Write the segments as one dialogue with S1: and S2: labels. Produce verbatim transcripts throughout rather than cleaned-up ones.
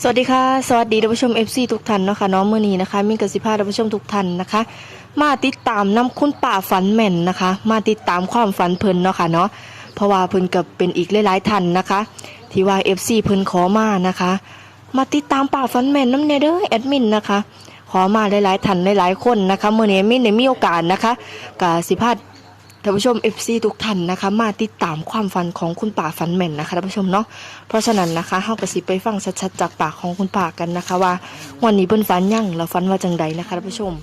S1: สวัสดีค่ะสวัสดีท่านผู้ชม เอฟ ซี ทุกท่านเนาะค่ะน้องมือนี้นะคะมีกสิภาท่านผู้ชมทุกท่านนะคะมาติดตามนำคุณป่าฝันแม่นนะคะมาติดตามความฝันเพิ่นเนาะค่ะเนาะเพราะว่าเพิ่นกับเป็นอีกหลายๆท่านนะคะที่ว่า เอฟ ซี เพิ่นขอมานะคะมาติดตามป่าฝันแม่นน้ำเนเด้อแอดมินนะคะขอมาหลายๆท่านหลายๆคนนะคะมื้อนี้มินได้มีโอกาสนะคะกสิภาท่านผู้ชม เอฟ ซี ทุกท่านนะคะมาติดตามความฝันของคุณป่าฝันแม่นนะคะท่านผู้ชมเนาะเพราะฉะนั้นนะคะเฮาก็สิไปฟังชัดๆจากปากของคุณป่ากันนะคะว่าวันนี้เพิ่นฝันยังแล้วฝันว่าจังใดนะคะท่านผู้ชม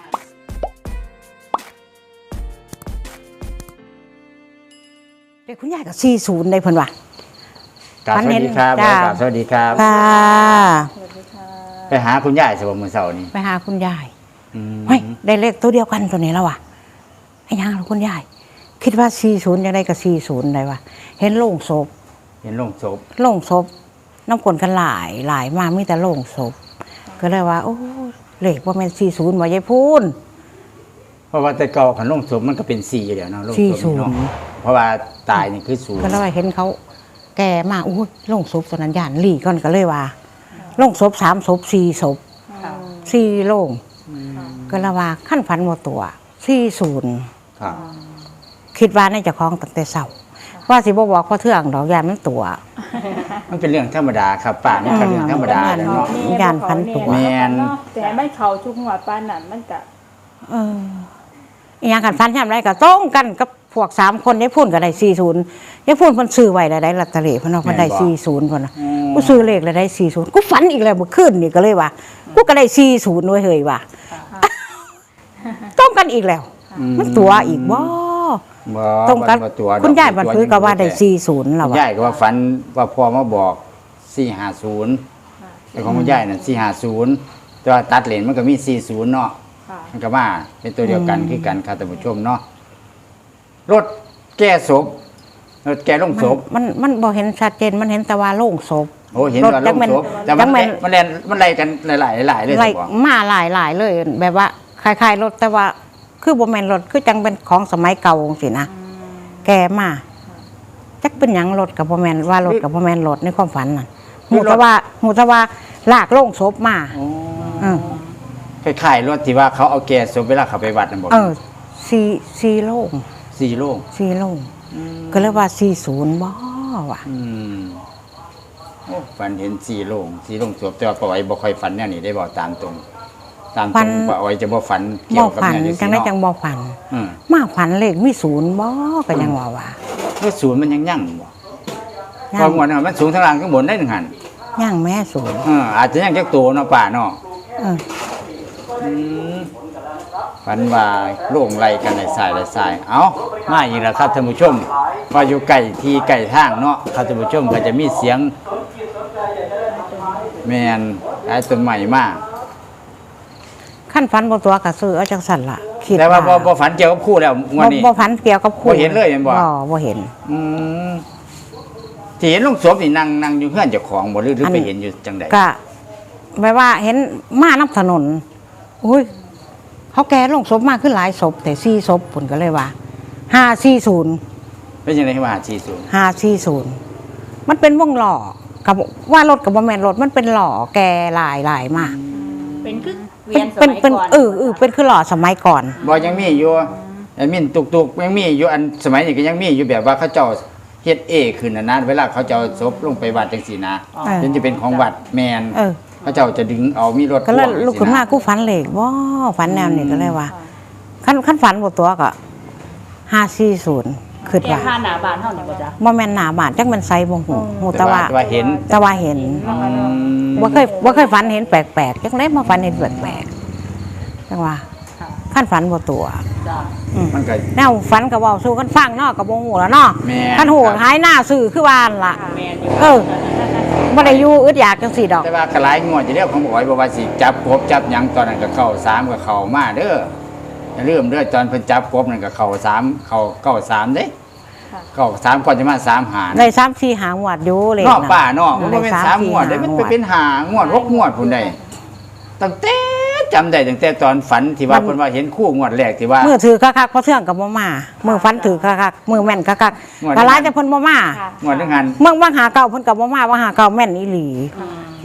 S2: เด็กคุณยายกับสี่ศูนย์ได้เพิ่นว่ะ
S3: กราบสวัสดีครับ
S2: จ้า
S3: กราบสวัสดีครับ
S2: ค่ะ
S3: ไปหาคุณยายสบมื้อเช้านี้
S2: ไปหาคุณยาย
S3: อืม
S2: เฮ้ยได้เลขตัวเดียวกันตัวนี้แล้วว่ะไอ้ยังหรอคุณยายคิดว่าสี่ศูนย์ยังได้กับสี่ศูนย์ได้ว่ะเห็นโล่งศพ
S3: เห็นโลงศพ
S2: โล่งศพน้ำกลนกันหลายหลายมากมีแต่โล่งศพก็เลยว่าโอ้เลขว่าเป็นสี่ศูนย์ว่ายายพูน
S3: เพราะว่าแต่เก่าขันโลงศพมันก็เป็นสี่แล้วเนาะโลงศพ
S2: สี่
S3: นี่
S2: ศูนย์
S3: เนาะเพราะว่าตายนี่คือศูนย์
S2: ก็เลยว่าเห็นเขาแก่มากอู้โล่งศพตอนนั้นยานหลีก่อนก็เลยว่าโล่งศพสามศพสี่ศพสี่โล่งก็เลยว่าขั้นฝันหมดตัวสี่ศูนย์
S3: ครับ
S2: คิดว่าในเจ้าของตั้งแต่เช้าว่าสิบ่บอกพ่อเทื่องดอกยานมันตัว
S3: มันเป็นเรื่องธรรมดาครับป่านี่ก็เรื่องธรรมดาแล้วเนาะ
S2: ย่านพันตัว
S3: แม่น
S4: แต่ไม่เขาชุกหัวปานนั้นมันก็
S2: เอออีหยังกันฟันยามไรก็ต้องกันกับพวกสามคนยายพูนก็ได้สี่ศูนย์ยายพูนเพิ่นซื้อไว้แล้วได้ลอตเตอรี่เพิ่นเอาเพิ่นได้สี่ศูนย์เพิ่นน่ะกูซื้อเลขแล้วได้สี่ศูนย์กูฝันอีกแล้วเมื่อคืนนี่ก็เลยว่ากูก็ได้สี่ศูนย์ด้วยเฮ้ยว่ะต้องกันอีกแล้ว มันตัวอีกบ่
S3: บ่
S2: ตรงกัน
S3: บ่ตัวดอก
S2: คุณยายบันทึกก็ว่าได้สี่ศูนย์แล้ว
S3: คุณ
S2: ว่ะ
S3: ยายก็ว่าฝันว่าพ่อมาบอกสี่ห้าศูนย์แต่ของคุณยายน่ะสี่ห้าศูนย์แต่ว่าตัดเลนมันก็มีสี่ศูนย์เนาะ
S4: ค่ะ
S3: มันก็มาเป็นตัวเดียวกันคือกันครับท่านผู้ชมเนาะรถแก้ศพรถแก้ลงศพ
S2: มันมันบ่เห็นชัดเจนมันเห็นแต่ว่าโล่งศพ
S3: โอ้เห็นว่าล
S2: จัก
S3: ง
S2: แม่น
S3: ศพแต่
S2: จั
S3: มัน
S2: กแม่น
S3: มันแล่นมันไล่กันหลายๆหลายๆเลย
S2: ไล่
S3: สิบอก
S2: มาหลายหลายเลย แบบว่าคล้ายๆรถแต่ว่าคือบ่แม่นรถคือจังเป็นของสมัยเก่าสินะแกมาจักเป็นหยังรถกับบ่แม่นว่ารถกับบ่แม่นรถในความฝันน่ะหูแต่ว่าหูแต่ว่าลากโล่งศพมาเออ
S3: คล้ายๆรถที่ว่าเขาเอาแก้ศพเวลาเขาไปวัดนั่นบอก
S2: เออสี่สี่โล่ง
S3: สี่โลง
S2: สี่โล่งก็เลยว่าสี่ศูนย์บ่ว่ะ
S3: อืมโอ้ฝันเห็นสี่โลงสี่โลงศพแต่ว่าป้าอ้อยบ่ค่อยฝันแนวนี้ได้บอกตามตรง ตามตรงป้าอ้อยจะบ่ฝันเกี่
S2: บ่
S3: ยวกับ
S2: ฝัน
S3: แนวนี้
S2: จังได้จังบ่ฝัน
S3: อืม
S2: มาฝันเลขมีศูนย์บ่ก็ยังว่าว่า
S3: แล้วศูนย์มันยังยั่งบ่
S2: ยั
S3: เพราะงวดนั้นมันสูงทั้งล่างทั้งบนได้หนึ่งหัน
S2: ยังแม่ศูนย์
S3: เอออาจจะยังจักตัวเนาะป่าเนาะ
S2: เออ
S3: อืมฝันว่าโล่งไล่กันในสายในสาย เอามาอีกแล้วครับท่านผู้ชมว่าอยู่ไก่ที่ไก่ทางเนาะครับท่านผู้ชมก็จะมีเสียง แมนไอ้ต้นใหม่มาก
S2: ขั้นฝันบ่ตัวก็ซื้อเอาจังสั่นล่ะคิด
S3: แต่ว่าบ่บ่ฝันเกี่ยวกับคู่แล้วงวด
S2: บ่
S3: นี้
S2: บ่ฝันเกี่ยวกับคู่
S3: บ่เห็นเลยเห็นบ่
S2: บ่บ่เห็น
S3: อืมที่เห็นลงศพนี่นั่งนั่งอยู่เพื่อนเจ้าของบ่หรือหรือ
S2: อัน
S3: ไปเห็นอยู่จังใด
S2: ก็แปลว่าเห็นมาน้ำถนนอุ้ยเขาแก่ลงศพมากขึ้นหลายศพแต่สี่ศพผลก็เลยว่าห้าสี่ศูนย์
S3: เป็นจังได๋ว่าสี่สิบ
S2: ห้าสี่ศูนย์มันเป็นวงหล่อกับว่ารถกับบ่แม่นรถมันเป็นหล่อแก่หลายหลายมาก
S4: เป็นคือเวี
S2: เป็
S4: ย
S2: น
S4: นส
S2: เป็น
S4: มัย
S2: เป็น
S4: ก่อน
S2: เออเออเป็นคือหล่อสมัยก่อน
S3: บ่ยังมีอยู่ไอ้มินตุกๆยังมีอยู่อันสมัยนี้ก็ยังมีอยู่แบบว่าเขาเจ้าเฮ็ดเอขึ้นน่ะนะเวลาเขาจะเอาศพลงไปวัดจังซี่นะ
S2: เออ
S3: มันจะเป็นของวัดแมน
S2: เออ
S3: เขาเจ้าจะดึงเอามีรถ
S2: ก็เลย
S3: พ่วง
S2: ลุกขึ้นมากูฝันเหล็กว้าฝันแนวนี้ก็เลยว่าขั้นขั้นฝันบทตัวก็ห้าสี่ศูนย์ขึ้น
S4: แค่
S2: ว่า
S4: ค่าหนาบานเท่านี้บ่จ๊ะ
S2: บ่แม่นหนาบาดจักแมันไซบ่หูหู
S3: แต่
S2: แต่
S3: ว่า
S2: ว่า
S3: แต่ว่าเห็น
S2: แต่ว่าเห็น
S3: อืม
S2: บ่เคยบ่เคยฝันเห็นแปลกๆจังได๋มาฝันเห็นแปลกๆจังว่าขั้นฝันบ่ตัว
S4: จ้ะ
S2: อืม
S3: มันก็
S2: แนวฝันก็เว้าสู่กันฟังเนาะก็บ่ฮู้แล้วเนาะ
S3: แม่น
S2: คันฮู้
S3: ครับ
S2: หายหน้าซื่อคือว่านั่นล่ะ
S4: แมนอยู่
S2: เออบ่ได้อยู่อึดอยากจังซี่ดอก
S3: แต่ว่ากระไรงวดจะเรียกของบ่อยบอกว่าสิจับกบจับหยังตอนนั้นก็เข้าสามก็เข้ามาเด้ออย่าลืมเด้อตอนเพิ่นจับกบนั่นก็เข้าสามเข้าเก้าสามเด้เข้าสามก่อนจะมาสามหาร
S2: ได้สามสี่หางวดอยู่เลย
S3: นอกป่าเนาะมันบ่เป็น
S2: ได้
S3: สามงวด
S2: สี่
S3: เด้มัน
S2: ห
S3: ไปเป็นหางวดหกงวดพุ่นได้ตั้งแต่จำได้ตั้งแต่ตอนฝันที่ว่าเพิ่นว่าเห็นคู่งวดแรกที่ว่า
S2: มือถือคักๆเพราะเทื่องกับบ่มามือฟันถือคักๆมือแม่นคัก
S3: งวด
S2: ๆกะหลายแต่เพิ่นบ่มา
S4: ค่ะ
S3: งวดนึงหัน
S2: เมืองบางหาเก่าเพิ่นก็บ่มาว่าหาเก่าแม่นอีหลีอืม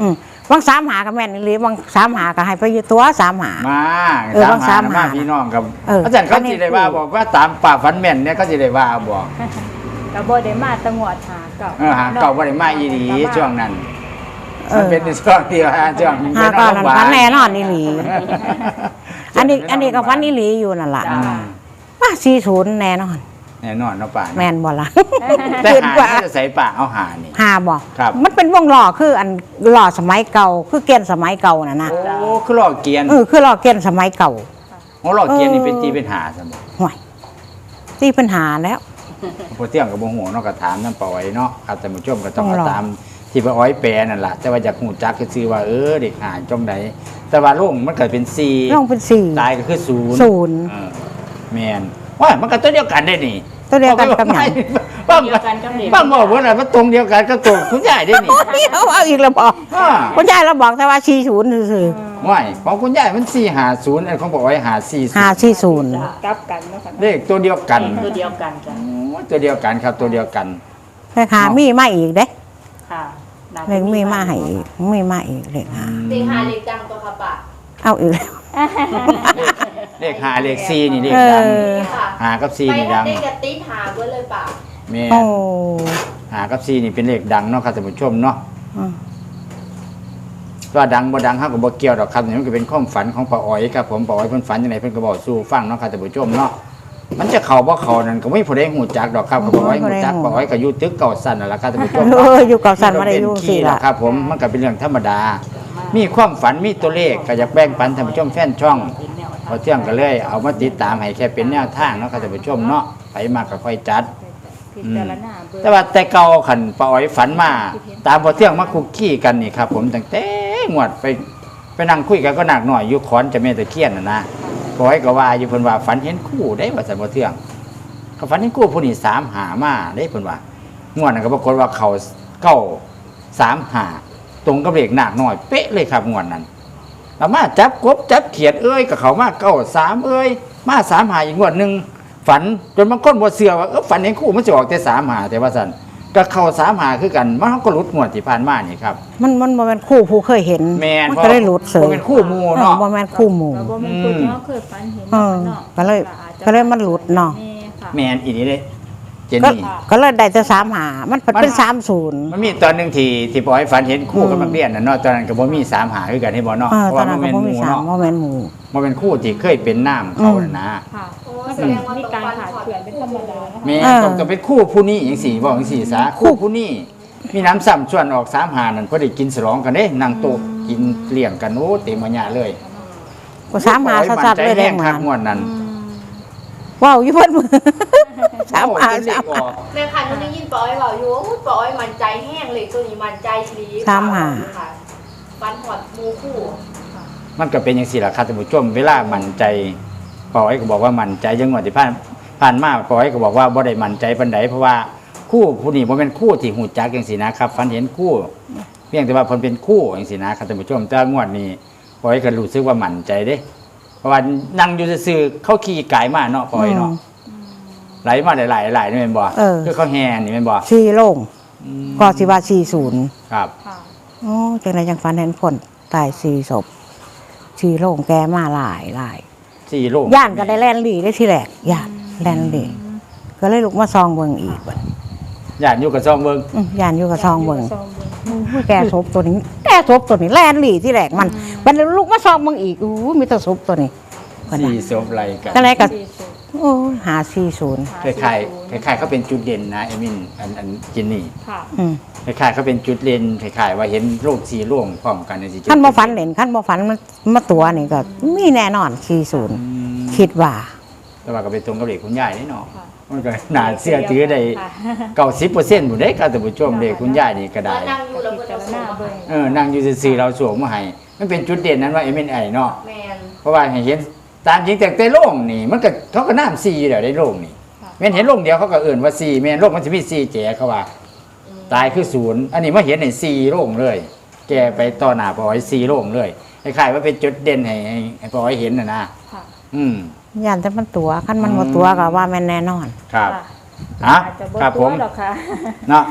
S2: บางสามหากับแม่นอีหรือ บางสามหาก็ให้ไปอยู่ตัวสามหา
S3: มา
S2: เออบาง
S3: สามหา
S2: สามหา
S3: มาพี่น้องกับ
S2: เออ
S3: อาจารย์เขาสิได้ว่าบอกว่าตามป่าฝันแม่นเนี่ยเขาสิได้ว่าบอก
S4: ก็บ่ได้มาตะงวดหาเก่า
S3: เออหาเก่าบ่ได้มาอีหลี
S4: ก็มา
S3: ช่วงนั้น
S2: เอ
S3: มัน
S2: อ
S3: เป็นในช่วงที่ว่าช่วง
S2: หาก็นั่นฝันแน่นอนอีหลี อันนี้อันนี้ก็ฝันอีหลีอยู่นั่นล่ะ
S3: อืม
S2: ว่าสี่ศูนย์แน่นอน
S3: แน่นอนเนาะป่า
S2: แม่นบ่ล่ะ
S3: แต่
S2: คิด
S3: หา
S2: ว่า
S3: ที่จะใส่ป่าเอาหานี่
S2: หาบ่
S3: ครับ
S2: มันเป็นวงล้อคืออันล้อสมัยเก่า คือเกียนสมัยเก่าน่ะนะ
S3: โอ้คือหลอกเกียน
S2: เออคือล้อเกียนสมัยเก่า
S3: โอ้หลอกเกียนนี่
S2: เออ
S3: เป็นตีเป็นหาซะบ่
S2: ห่วยที่ปัญหาแล้ว
S3: พอเที่ยงกับบ่ฮู้เนาะก็ถามนำป่าไว้เนาะครับท่านผู้ชมก็ต้อง
S2: ต้องรอ
S3: เอาตามที่ป้าอ้อยแปลนั่นล่ะแต่ว่าอยากฮู้จักคือซื่อว่าเออเด็กหาจงใดแต่ว่าลุงมันก็เป็นสี่
S2: ลงเป็นสี่
S3: ตายก็คือศูนย์
S2: ศูนย์
S3: เออแม่นว่ามันก็ตัวเดียวกันได้นี่
S2: ตัวเดียวกันกับหยัง
S3: บ้าง
S4: เดียวกันกับเด็ก
S3: บ้างบอกว่าอะไรมันตรงเดียวกันก็ตรงคุณยายได้นี่
S2: เอาเอาอีกแล้วบอก
S3: อ่า
S2: คุณยายเราบอกแต่ว่าสี่ศูนย์ซื่อ
S3: ไม่ของคุณยายมันสี่หาศูนย์อันของบอกไว้หาสี่
S2: ๆห้าสี่ศูนย์
S4: กลับกันเนาะค่ะ
S3: เลขตัวเดียวกัน
S4: ตัวเดียวกันจ้ะ
S3: โอ้ตัวเดียวกันครับตัวเดียวกัน
S2: เลขหามีมาอีกเด้
S4: ค่ะน่า
S2: เล
S4: จะ
S2: ขมีมาให้อีกมีมาอีกเลขหา
S1: เด็กหาเด็กจังตัวค่ะป่า
S2: เอาอีกแล้ว
S3: เลขหาเลขสี่นี่เลข
S2: เอ
S3: ดัง
S2: อ
S3: หากับสี่นี่ดัง
S1: เด็กกระติดหาเพื่อเลยป่า
S3: แม่
S2: โอ้
S3: หากับสี่นี่เป็นเลขดังเนาะครับท่านผู้ชมเนาะ
S2: อืม
S3: ว่าดังบ่ดังเฮาก็บ่เกี่ยวดอกครับนี่มันก็เป็นความฝันของป้าอ้อยครับผมป้าอ้อยเพิ่นฝันจังไดเพิ่นก็บอกสู่ฟังเนาะครับท่านผู้ชมเนาะมันจะเข้าบ่เข้านั่นก็ไม่ผู้ใดฮู้จักดอกครับก็ป้าอ้อยฮู้จักป้าอ้อยก็อยู่ตึกเก่าสั้นนั่นล่ะครับท่านผู้ชม
S2: เอ
S3: เนาะ
S2: ออยู่กับสันมาได้อยู่
S3: เป็น
S2: สี่
S3: ขี้
S2: ละ
S3: ล่ะครับผมมันก็เป็นเรื่องธรรมดา มีความฝันมีตัวเลขก็อยากแบ่งปันท่านผู้ชมแฟนช่อง
S4: เป็นแนวทาง
S3: พอเที่ยงก็เลยเอามาติดตามให้แค่เป็นแนวทางเนาะครับท่านผู้ชมเนาะไปมากก็ค่อยจัด
S4: พิจารณาเบิ่ง
S3: แต่ว่าแต่เก่าขันป้าอ้อยฝันมาตามพอเที่ยงมาคุกกี้กันนี่ครับผมตั้งแต่งวดไปไปนั่งคุยกันก็หนักหน่อยอยู่ขอนจะแม่ตะเคียนน่ะนะป้าอ้อยก็ว่าอยู่เพิ่นว่าฝันเห็นคู่ได้ว่าซั่นพอเที่ยงก็ฝันเห็นคู่ผู้นี้สามหามาได้เพิ่นว่างวดนั้นก็ปรากฏว่าเขาเก้าสามหาตรงกับเลขหนักหน่อยเป๊ะเลยครับงวดนั้นแล้วมาจับกบจับเขียดเอ้ยกับเขามาเก้าสามเอ้ยมาสามหาอีกงวดหนึงฝันจนบางคนบ่เชื่อว่าเออฝันเห็นคู่มันจะออกแต่สามหาแต่ว่าซั่นก็เข้าสามหาคือกันมันก็หลุดงวดที่ผ่านมานี่ครับ
S2: มันมันบ่แม่นคู่ผู้เคยเห็น
S3: แม่น
S2: มันก็ได้หลุดเสย
S3: บ่เป็นคู่หมู่เนาะ
S2: ออบ่แม่นคู่หมู่
S4: เราบ่แม่นคนที่เราเคยฝันเห็น
S2: เออ
S4: เนาะ
S2: ก็เลย
S4: อาจจะ
S2: ก็เลยมันหลุดเนาะ
S4: แม่ค่ะ
S3: แม่นอีนี่เลยเจน
S2: ก็
S3: นี่
S2: ก็เลยได้แต่สามหามันเป็นสามศูนย์
S3: มันมีตอนหนึงที่ที่ปล่อยฝันเห็นคู่กับนักเรียนน่ะเนาะตอนนั้นก็บ่มีสามหาคือกันให้บ่เนาะ
S2: เออ
S3: เพราะ
S2: ตอน
S3: ว่า
S2: นั้
S3: มัน น
S2: ก็
S3: แม่น
S2: บ่
S3: ห
S2: มี
S3: มู่
S2: สาม
S3: เนาะ
S2: บ่แม่นหมู่
S3: มันเป็นคู่ที่เคยเป็นน้ำเขาน่ะนะ
S4: ค่ะ
S1: โอ้
S4: มัน
S1: แสดงว่า
S4: มี
S1: ตรง
S4: การ
S1: ฟัน
S4: ขาด
S1: ขอด
S4: เขื่อนเป็นธรรมดานะคะ
S3: แม่
S2: เออ
S3: ต้องต้องเป็นคู่ผู้นี้จังซี่บอกจังซี่ซะคู่ผู้นี้มีน้ำซ้ำชวนออกสามหานั่นพอได้กินฉลองกันเด้นั่งโต๊ะกินเลี้ยงกันโอ้เต็มมาหยะเลย
S2: ก็สามหาสัดๆเลยแดง
S3: ค
S2: มา
S3: รับงวดนั้น
S2: ว้าวอยู่เพิ่นมือสามหา
S3: โอ้จนเล
S2: สา
S3: ข
S2: ม
S3: อ
S2: หา
S3: อก
S1: แม่คันมันได้ยินป้าอ้อยบอกอยู่ว่าอุ๊ยป้าอ้อยมันใจแห้งเลยตัวนี้มันใจดี
S2: สามหา
S1: ค่ะฟันหอดหมูคู่
S3: มันก็เป็นอย่างสี่ละครับท่านผู้ชมเวลามั่นใจปอยก็บอกว่ามั่นใจยังงวดที่ผ่านผ่านมาปอยก็บอกว่าบ่ได้มั่นใจปานใดเพราะว่าคู่ผู้นี้บ่เป็นคู่ที่หูจักจังซี่นะครับฝันเห็นคู่ เพียงแต่ว่าเพิ่นเป็นคู่จังซี่นะครับท่านผู้ชมแต่งวดนี้ปอยก็รู้สึกว่ามั่นใจเด้ เพราะว่านั่งอยู่ซื่อๆเขาขี่กายมาเนาะปอยเนาะไหลมาหลายๆหลายๆนี่แม่นบ่
S2: เออ
S3: คือเขาแห่นี่แม่นบ่
S2: สี่โลง
S3: อืม
S2: ก็สิว่าสี่ศูนย์
S3: ครับ
S4: ค่ะ
S2: โอ้จังไดจังฝันเห็นคนตายสี่ศพสี่โลงแกมาหลายหลาย
S3: สี่โลง
S2: ย่านก็ได้แล่นหลีได้ทีแรกย่านแล่นหลีก็เลยลุกมาซองเบิ่งอีกบัด
S3: ญาติอยู่กับซองเบิ่ง
S2: อื้อย่านอยู่กับซองเบิ่ง
S4: ซองเบิ่ง
S2: อุ้ยแกศพตัวนี้แกศพตัวนี้แล่นหลีที่แรกมันบัดนี้ลุกมาซองเบิ่งอีกอู้มีแต่ศพตัวนี้บัดนั้
S3: สี่
S2: น
S3: ศพไหลกัน
S2: ก็เลยก็
S4: สี่สิบ
S2: โอ้ยหาสี่ศูนย์
S3: คล้ายๆคล้ายๆเขาเป็นจุดเด่นนะเอมินอันอันจินนี่
S4: ค่ะ
S2: อืม
S3: คล้ายๆเขาเป็นจุดเด่นคล้ายๆว่าเห็นโลกสีร่วงพร้อมกันในสิ
S2: ขั้นบ่ฝันเล่นขั้นบ่ฝันมันมาตัวนี่ก็มีแน่นอนสี่ศูนย์
S3: อืม
S2: คิดว่า
S3: แต่ว่าก็ไปตรงกับเด็กคุณยายนี่เนาะ
S4: ค่ะ
S3: มันก็น่าเชื่อถือได้
S4: ค่ะ
S3: เก้าสิบเปอร์เซ็นต์บุได้การแต่ผู้ชมเด็กคุณยายนี่ก็ได้
S1: นั่งอยู่แล้ว
S4: พิ
S1: ก็
S4: จา
S1: จะ
S4: ร
S1: ส่
S4: ณาง เบิ่ง
S3: เออนั่งอยู่ซื่อๆเราสวมมาให้มันเป็นจุดเด่นนั้นว่าเอมินไอเนาะ
S1: แมน
S3: เพราะว่าให้เห็นตามจริงแต่แต่โล่งนี่ มันก็เขาก็น้ำซีอยู่แล้วได้โล่งนี่
S4: ค่ะ
S3: แม่นเห็นโล่งเดียวเขาก็เอื่นว่าซีแม่นโล่งมันจะมีซีแก่เขาว่า ตายคือศูนย์อันนี้มาเห็นในซีโล่งเลย แกไปต่อหน้าปอยซีโล่งเลยคล้ายๆว่าเป็นจุดเด่นให้ให้ให้ปอยเห็นน่ะนะ
S4: ค่ะ
S3: อืม
S2: ย่านแต่มันตัวขั้นมันบ่ตัวก็ว่าแม่นแน่นอน
S3: ครับ
S4: ค่ะ
S3: ฮะ
S4: อาจจะบ่
S3: ครับผม
S4: ตัวหรอกค่ะ
S3: เนาะ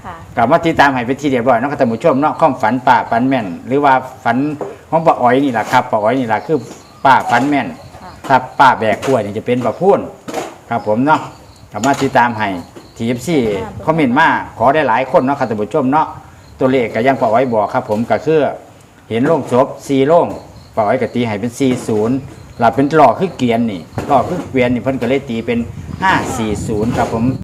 S4: ค่ะ
S3: กลับมาติดตามให้เป็นที่เรียบร้อยเนาะครับท่านผู้ชมเนาะความฝันป้าฝันแม่น หรือว่าฝันของป้าอ้อยนี่แหละครับป้าอ้อยนี่แหละคือป้าฝันแม่น
S4: ค่ะ
S3: ถ้าป้าแบกกล้วยนี่จะเป็นป้าพูนครับผมเนาะกลับมาติดตามให้ทีเอฟซีคอมเมนต์มาขอได้หลายคนเนาะครับท่านผู้ชมเนาะตัวเลขก็ยังป้าอ้อยบอกครับผมก็คือเห็นโล่งศพสี่โล่งป้าอ้อยก็ตีให้เป็นสี่ศูนย์หลับเป็นหล่อคือเกียนนี่หล่อคือเกวียนนี่เพิ่นก็เลยตีเป็นห้าสี่ศูนย์ครับผม